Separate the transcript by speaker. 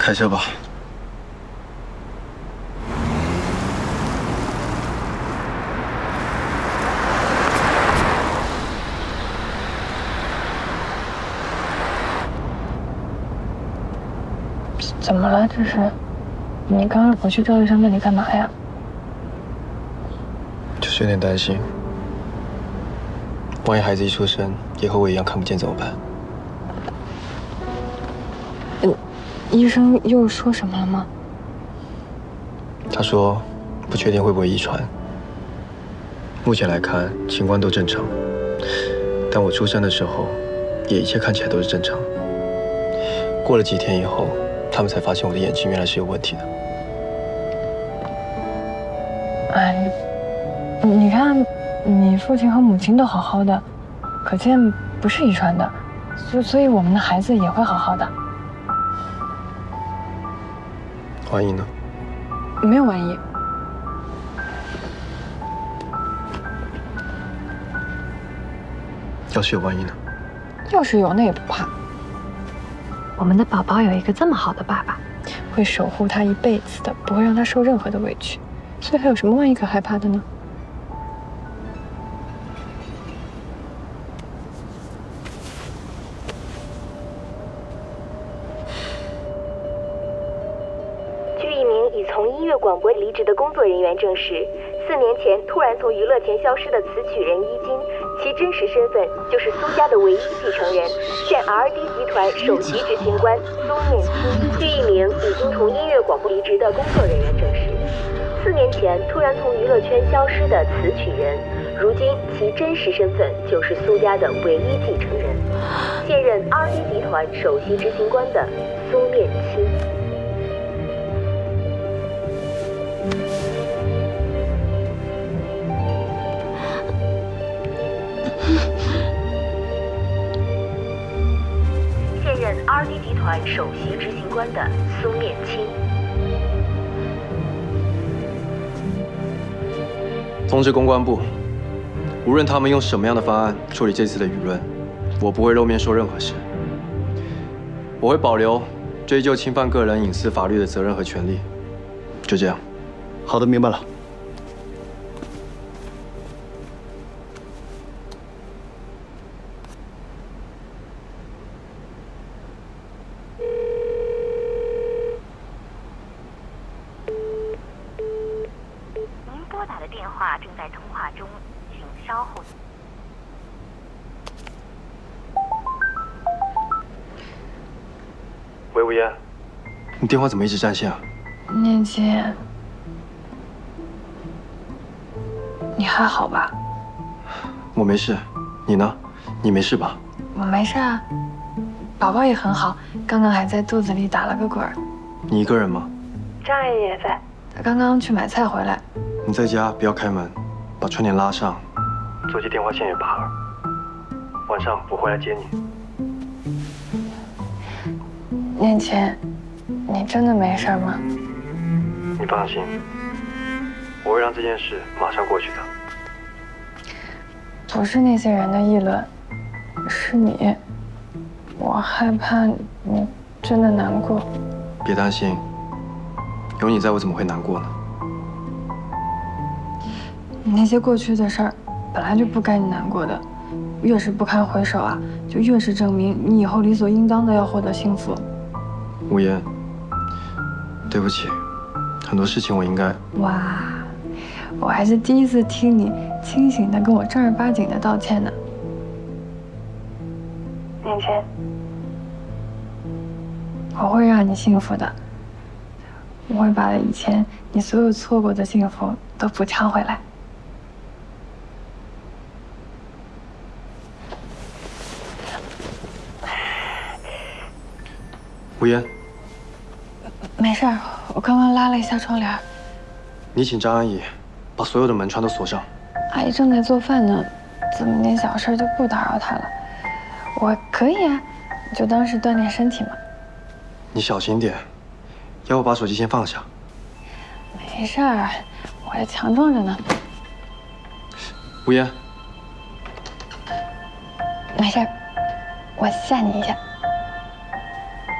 Speaker 1: 开车吧。
Speaker 2: 怎么了？这是？你刚刚回去赵医生那里干嘛呀？
Speaker 1: 就是有点担心，万一孩子一出生也和我一样看不见怎么办？
Speaker 2: 医生又说什么了吗？
Speaker 1: 他说不确定会不会遗传，目前来看情况都正常，但我出生的时候也一切看起来都是正常。过了几天以后，他们才发现我的眼睛原来是有问题的。
Speaker 2: 哎，你看，你父亲和母亲都好好的，可见不是遗传的，所以我们的孩子也会好好的。
Speaker 1: 万一呢？
Speaker 2: 没有万一。
Speaker 1: 要是有万一呢？
Speaker 2: 要是有，那也不怕。
Speaker 3: 我们的宝宝有一个这么好的爸爸，
Speaker 2: 会守护他一辈子的，不会让他受任何的委屈，所以还有什么万一可害怕的呢？
Speaker 4: 据一名已从音乐广播离职的工作人员证实，4年前突然从娱乐圈消失的词曲人伊金，其真实身份就是苏家的唯一继承人，现 RD 集团首席执行官苏念青。据一名已经从音乐广播离职的工作人员证实，4年前突然从娱乐圈消失的词曲人，如今其真实身份就是苏家的唯一继承人，现任 RD 集团首席执行官的苏念青。现任 RD 集团首席执行官的苏念青。
Speaker 1: 通知公关部，无论他们用什么样的方案处理这次的舆论，我不会露面说任何事。我会保留追究侵犯个人隐私法律的责任和权利。就这样。
Speaker 5: 好的，明白了。
Speaker 4: 您拨打的电话正在通话中，请稍后。
Speaker 1: 喂，吴嫣，你电话怎么一直占线啊？
Speaker 2: 念青，你还好吧？
Speaker 1: 我没事，你呢？你没事吧？
Speaker 2: 我没事啊，宝宝也很好，刚刚还在肚子里打了个滚儿。
Speaker 1: 你一个人吗？
Speaker 2: 张阿姨也在，她刚刚去买菜回来。
Speaker 1: 你在家不要开门，把窗帘拉上，座机电话线也拔了。晚上我回来接你。
Speaker 2: 念青，你真的没事吗？
Speaker 1: 你放心，我会让这件事马上过去的。
Speaker 2: 不是那些人的议论，是你。我害怕你真的难过。
Speaker 1: 别担心，有你在，我怎么会难过呢？
Speaker 2: 那些过去的事儿，本来就不该你难过的。越是不堪回首啊，就越是证明你以后理所应当的要获得幸福。
Speaker 1: 吴嫣，对不起，很多事情我应该……
Speaker 2: 哇，我还是第一次听你清醒的跟我正儿八经的道歉呢。念青，我会让你幸福的，我会把以前你所有错过的幸福都补偿回来。
Speaker 1: 吴嫣，
Speaker 2: 没事儿，我刚刚拉了一下窗帘。
Speaker 1: 你请张阿姨把所有的门窗都锁上。
Speaker 2: 阿姨正在做饭呢，这么点小事就不打扰她了。我可以啊，你就当是锻炼身体嘛。
Speaker 1: 你小心点，要不把手机先放下。
Speaker 2: 没事儿，我还强壮着呢。
Speaker 1: 吴嫣，
Speaker 2: 没事儿，我吓你一下。